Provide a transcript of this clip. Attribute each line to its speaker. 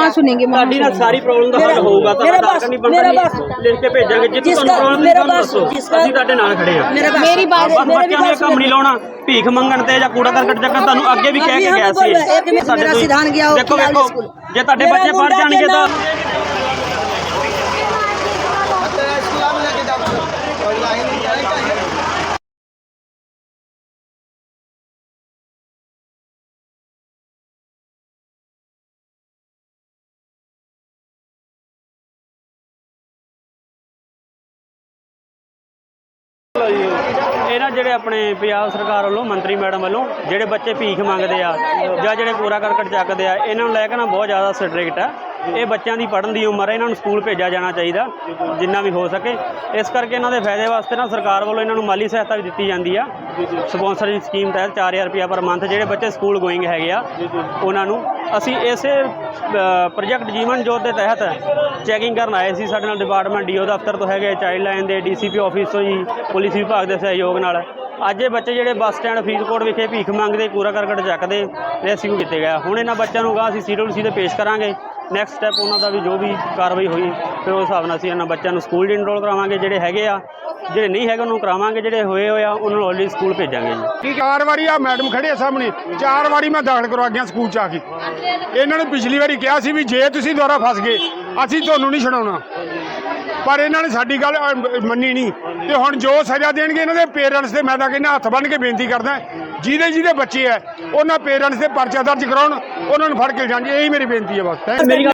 Speaker 1: कहाँ सुनेंगे,
Speaker 2: ਤੁਹਾਡੀ ਨਾਲ ਸਾਰੀ ਪ੍ਰੋਬਲਮ ਦਾ ਹੱਲ ਹੋਊਗਾ ਤਾਂ ਸਾਡਾ ਨਹੀਂ ਬਣਦਾ ਲਿਖ ਕੇ ਭੇਜਾਂਗੇ ਜਿੱਥੇ ਤੁਹਾਨੂੰ ਪ੍ਰੋਬਲਮ ਦੱਸੋ ਅਸੀਂ ਤੁਹਾਡੇ ਨਾਲ ਖੜੇ ਆ
Speaker 1: मेरी बात
Speaker 2: ਬੱਚਿਆਂ ਨੇ ਕੰਮ ਨਹੀਂ ਲਾਉਣਾ ਭੀਖ ਮੰਗਣ ਤੇ ਜਾਂ ਕੂੜਾ ਕਰਕਟ ਚੱਕਣ ਤੁਹਾਨੂੰ ਅੱਗੇ ਵੀ ਕਹਿ ਕੇ ਗਿਆ ਸੀ ਦੇਖੋ ਵੇਖੋ ਜੇ ਤੁਹਾਡੇ ਬੱਚੇ ਪੜ ਜਾਣਗੇ ਤਾਂ ਇਹਨਾਂ ਜਿਹੜੇ ਆਪਣੇ ਪੰਜਾਬ ਸਰਕਾਰ ਵੱਲੋਂ ਮੰਤਰੀ ਮੈਡਮ ਵੱਲੋਂ ਜਿਹੜੇ ਬੱਚੇ ਭੀਖ ਮੰਗਦੇ ਆ ਜਾਂ ਜਿਹੜੇ ਕੂੜਾ ਕਰਕਟ ਚੱਕਦੇ ਆ ਇਹਨਾਂ ਨੂੰ ਲੈ ਕੇ ਨਾ ਬਹੁਤ ਜ਼ਿਆਦਾ ਸਟ੍ਰਿਕਟ ਆ ਇਹ ਬੱਚਿਆਂ ਦੀ ਪੜ੍ਹਨ ਦੀ ਉਮਰ ਹੈ ਇਹਨਾਂ ਨੂੰ ਸਕੂਲ ਭੇਜਿਆ ਜਾਣਾ ਚਾਹੀਦਾ ਜਿੰਨਾ ਵੀ ਹੋ ਸਕੇ ਇਸ ਕਰਕੇ ਇਹਨਾਂ ਦੇ ਫਾਇਦੇ ਵਾਸਤੇ ਨਾ ਸਰਕਾਰ ਵੱਲੋਂ ਇਹਨਾਂ ਨੂੰ ਮਾਲੀ ਸਹਾਇਤਾ ਵੀ ਦਿੱਤੀ ਜਾਂਦੀ ਆ ਸਪਾਂਸਰ ਦੀ ਸਕੀਮ ਤਹਿਤ 4000 ਰੁਪਇਆ ਪਰ ਮੰਥ ਜਿਹੜੇ ਬੱਚੇ ਸਕੂਲ ਗੋਇੰਗ ਹੈਗੇ ਆ ਉਹਨਾਂ ਨੂੰ ਅਸੀਂ ਇਸੇ ਪ੍ਰੋਜੈਕਟ ਜੀਵਨ ਜੋਤ ਦੇ ਤਹਿਤ ਚੈਕਿੰਗ ਕਰਨ ਆਏ ਸੀ ਸਾਡੇ ਨਾਲ ਡਿਪਾਰਟਮੈਂਟ ਡੀਓ ਦਫ਼ਤਰ ਤੋਂ ਹੈਗੇ ਚਾਈਲਡ ਲਾਈਨ ਦੇ ਡੀਸੀਪੀ ਆਫਿਸ ਤੋਂ ਜੀ ਪੁਲਿਸ ਵਿਭਾਗ ਦੇ ਸਹਿਯੋਗ ਨਾਲ ਅੱਜ ਇਹ ਬੱਚੇ ਜਿਹੜੇ ਬੱਸ ਸਟੈਂਡ ਫਰੀਦਕੋਟ ਵਿਖੇ ਭੀਖ ਮੰਗਦੇ ਕੂੜਾ ਕਰਕਟ ਚੱਕਦੇ ਰੈਸਕਿਊ ਕੀਤੇ ਗਏ ਹੁਣ ਇਹਨਾਂ ਬੱਚਿਆਂ ਨੂੰ ਗਾਂ ਅਸੀਂ CWC ਤੇ ਪੇਸ਼ ਕਰਾਂਗੇ ਨੈਕਸਟ ਸਟੈਪ ਉਹਨਾਂ ਦਾ ਵੀ ਜੋ ਵੀ ਕਾਰਵਾਈ ਹੋਈ ਫਿਰ ਉਸ ਹਿਸਾਬ ਨਾਲ ਅਸੀਂ ਇਹਨਾਂ ਬੱਚਿਆਂ ਨੂੰ ਸਕੂਲ 'ਚ ਇਨਰੋਲ ਕਰਾਵਾਂਗੇ ਜਿਹੜੇ ਹੈਗੇ ਆ ਜਿਹੜੇ ਨਹੀਂ ਹੈਗੇ ਉਹਨੂੰ ਕਰਾਵਾਂਗੇ ਜਿਹੜੇ ਹੋਏ ਆ ਉਹਨਾਂ ਨੂੰ ਆਲਰੇਡੀ ਸਕੂਲ ਭੇਜਾਂਗੇ ਜੀ
Speaker 3: 4 ਵਾਰੀ ਆ ਮੈਡਮ ਖੜੇ ਆ ਸਾਹਮਣੇ 4 ਵਾਰੀ ਮੈਂ ਦਾਖਲ ਕਰਵਾ ਗਿਆ ਸਕੂਲ 'ਚ ਆ ਕੇ ਇਹਨਾਂ ਨੇ ਪਿਛਲੀ ਵਾਰੀ ਕਿਹਾ ਸੀ ਵੀ ਜੇ ਤੁਸੀਂ ਦੁਬਾਰਾ ਫਸ ਗਏ ਅਸੀਂ ਤੁਹਾਨੂੰ ਨਹੀਂ ਛਡਾਉਣਾ ਪਰ ਇਹਨਾਂ ਨੇ ਸਾਡੀ ਗੱਲ ਮੰਨੀ ਨਹੀਂ ਤੇ ਹੁਣ ਜੋ ਸਜ਼ਾ ਦੇਣਗੇ ਇਹਨਾਂ ਦੇ ਪੇਰੈਂਟਸ ਦੇ ਮੈਂ ਤਾਂ ਕਹਿੰਦਾ ਹੱਥ ਬੰਨ੍ਹ ਕੇ ਬੇਨਤੀ ਕਰਦਾ ਜਿਹਦੇ ਬੱਚੇ ਆ ਉਹਨਾਂ ਪੇਰੈਂਟਸ ਦੇ ਪਰਚਾ ਦਰਜ ਕਰਾਉਣ ਉਹਨਾਂ ਨੂੰ ਫੜ ਕੇ ਲਿਜਾਣ ਇਹੀ ਮੇਰੀ ਬੇਨਤੀ ਹੈ ਬਸ।